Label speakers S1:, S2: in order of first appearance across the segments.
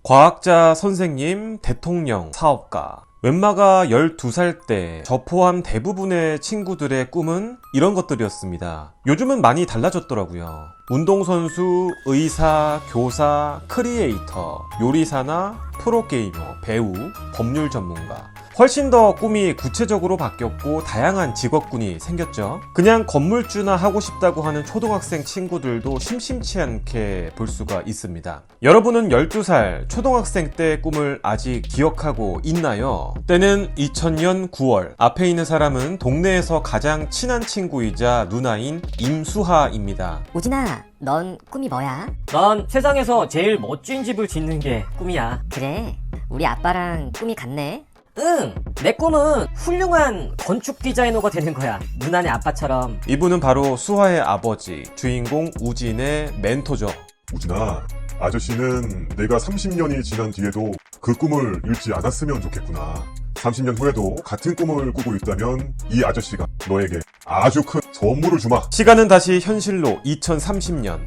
S1: 과학자, 선생님, 대통령, 사업가. 웬마가 12살 때 저 포함 대부분의 친구들의 꿈은 이런 것들이었습니다. 요즘은 많이 달라졌더라고요. 운동선수, 의사, 교사, 크리에이터, 요리사나 프로게이머, 배우, 법률 전문가. 훨씬 더 꿈이 구체적으로 바뀌었고 다양한 직업군이 생겼죠. 그냥 건물주나 하고 싶다고 하는 초등학생 친구들도 심심치 않게 볼 수가 있습니다. 여러분은 12살 초등학생 때의 꿈을 아직 기억하고 있나요? 때는 2000년 9월. 앞에 있는 사람은 동네에서 가장 친한 친구이자 누나인 임수하입니다.
S2: 우진아, 넌 꿈이 뭐야?
S3: 난 세상에서 제일 멋진 집을 짓는 게 꿈이야.
S2: 그래, 우리 아빠랑 꿈이 같네.
S3: 응, 내 꿈은 훌륭한 건축 디자이너가 되는 거야. 누나네 아빠처럼.
S1: 이분은 바로 수하의 아버지, 주인공 우진의 멘토죠.
S4: 우진아, 아저씨는 내가 30년이 지난 뒤에도 그 꿈을 잃지 않았으면 좋겠구나. 30년 후에도 같은 꿈을 꾸고 있다면 이 아저씨가 너에게 아주 큰 선물을 주마.
S1: 시간은 다시 현실로 2030년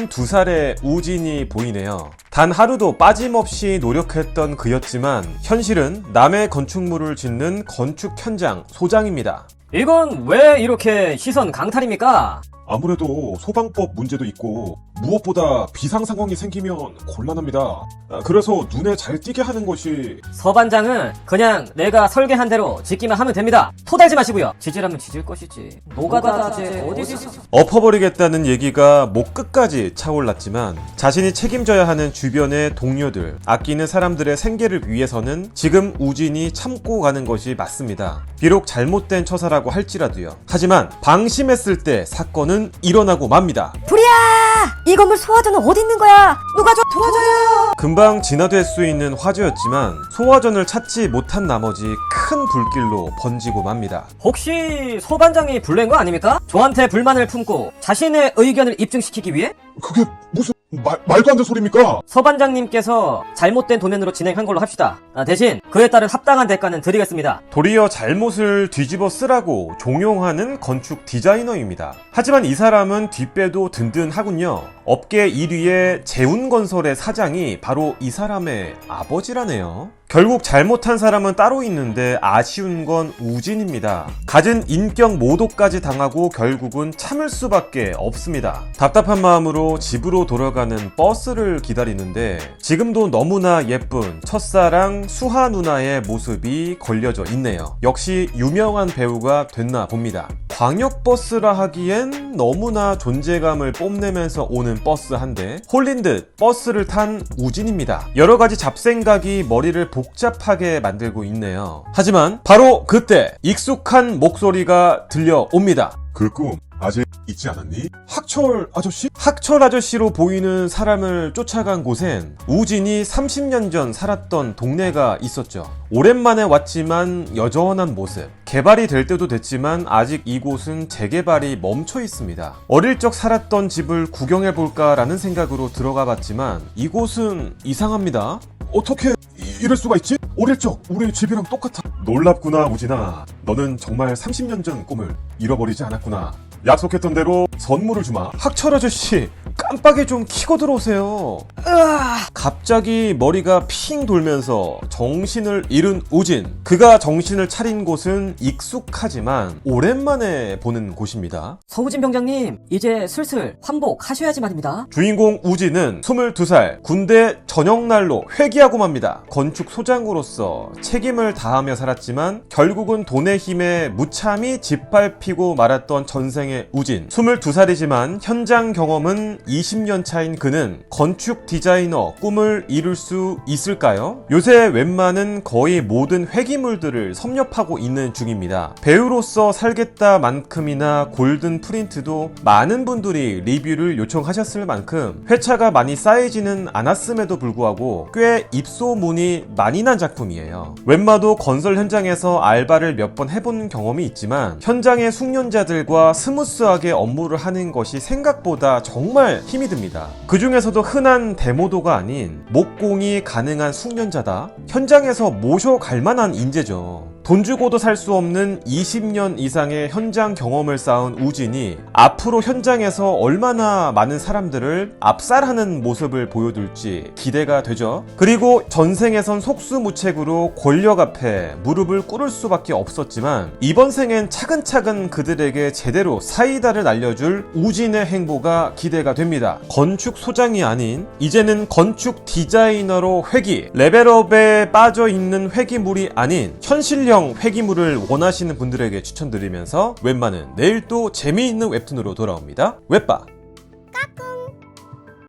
S1: 42살의 우진이 보이네요. 단 하루도 빠짐없이 노력했던 그였지만 현실은 남의 건축물을 짓는 건축 현장 소장입니다.
S3: 이건 왜 이렇게 시선 강탈입니까?
S4: 아무래도 소방법 문제도 있고 무엇보다 비상 상황이 생기면 곤란합니다. 그래서 눈에 잘 띄게 하는 것이
S3: 서반장은 그냥 내가 설계한 대로 짓기만 하면 됩니다. 토달지 마시고요. 지지라면 지질 것이지. 노가다제 어디서?
S1: 엎어버리겠다는 얘기가 목 끝까지 차올랐지만 자신이 책임져야 하는 주변의 동료들, 아끼는 사람들의 생계를 위해서는 지금 우진이 참고 가는 것이 맞습니다. 비록 잘못된 처사라고 할지라도요. 하지만 방심했을 때 사건은 일어나고 맙니다.
S2: 불이야! 이 건물 소화전은 어디 있는 거야? 누가 좀 도와줘요!
S1: 금방 진화될 수 있는 화재였지만 소화전을 찾지 못한 나머지 큰 불길로 번지고 맙니다.
S3: 혹시 서반장이 불낸 거 아닙니까? 저한테 불만을 품고 자신의 의견을 입증시키기 위해?
S4: 그게 무슨 말도 안 되는 소리입니까?
S3: 서반장님께서 잘못된 도면으로 진행한 걸로 합시다. 대신 그에 따른 합당한 대가는 드리겠습니다.
S1: 도리어 잘못을 뒤집어 쓰라고 종용하는 건축 디자이너입니다. 하지만 이 사람은 뒷배도 든든하군요. 업계 1위의 재운건설의 사장이 바로 이 사람의 아버지라네요. 결국 잘못한 사람은 따로 있는데 아쉬운 건 우진입니다. 갖은 인격 모독까지 당하고 결국은 참을 수밖에 없습니다. 답답한 마음으로 집으로 돌아가는 버스를 기다리는데 지금도 너무나 예쁜 첫사랑 수하 누나의 모습이 걸려져 있네요. 역시 유명한 배우가 됐나 봅니다. 광역버스라 하기엔 너무나 존재감을 뽐내면서 오는 버스 한 대, 홀린 듯 버스를 탄 우진입니다. 여러가지 잡생각이 머리를 복잡하게 만들고 있네요. 하지만 바로 그때 익숙한 목소리가 들려옵니다.
S4: 그 꿈 아직 잊지 않았니? 학철 아저씨?
S1: 학철 아저씨로 보이는 사람을 쫓아간 곳엔 우진이 30년 전 살았던 동네가 있었죠. 오랜만에 왔지만 여전한 모습. 개발이 될 때도 됐지만 아직 이곳은 재개발이 멈춰 있습니다. 어릴 적 살았던 집을 구경해볼까 라는 생각으로 들어가 봤지만 이곳은 이상합니다.
S4: 어떻게 이럴 수가 있지? 어릴 적 우리 집이랑 똑같아. 놀랍구나 우진아. 너는 정말 30년 전 꿈을 잃어버리지 않았구나. 약속했던 대로 선물을 주마.
S1: 학철 아저씨 깜빡이 좀 켜고 들어오세요. 갑자기 머리가 핑 돌면서 정신을 잃은 우진. 그가 정신을 차린 곳은 익숙하지만 오랜만에 보는 곳입니다.
S3: 서우진 병장님, 이제 슬슬 환복하셔야지 말입니다.
S1: 주인공 우진은 22살 군대 전역날로 회귀하고 맙니다. 건축 소장으로서 책임을 다하며 살았지만 결국은 돈의 힘에 무참히 짓밟히고 말았던 전생의 우진. 22살이지만 현장 경험은 20년 차인 그는 건축 디자이너 꿈을 이룰 수 있을까요? 요새 웬만한 거의 모든 회기물들을 섭렵하고 있는 중입니다. 배우로서 살겠다만큼이나 골든 프린트도 많은 분들이 리뷰를 요청하셨을 만큼 회차가 많이 쌓이지는 않았음에도 불구하고 꽤 입소문이 많이 난 작품이에요. 웬마도 건설 현장에서 알바를 몇 번 해본 경험이 있지만 현장의 숙련자들과 스무스하게 업무를 하는 것이 생각보다 정말 힘이 듭니다. 그 중에서도 흔한 데모도가 아닌 목공이 가능한 숙련자다. 현장에서 모셔갈 만한 인재죠. 돈 주고도 살 수 없는 20년 이상의 현장 경험을 쌓은 우진이 앞으로 현장에서 얼마나 많은 사람들을 압살하는 모습을 보여줄지 기대가 되죠. 그리고 전생에선 속수무책으로 권력 앞에 무릎을 꿇을 수밖에 없었지만 이번 생엔 차근차근 그들에게 제대로 사이다를 날려줄 우진의 행보가 기대가 됩니다. 건축 소장이 아닌 이제는 건축 디자이너로 회기, 레벨업에 빠져있는 회기물이 아닌 현실형 회기물을 원하시는 분들에게 추천드리면서 웬만은 내일 또 재미있는 웹툰으로 돌아옵니다. 웹바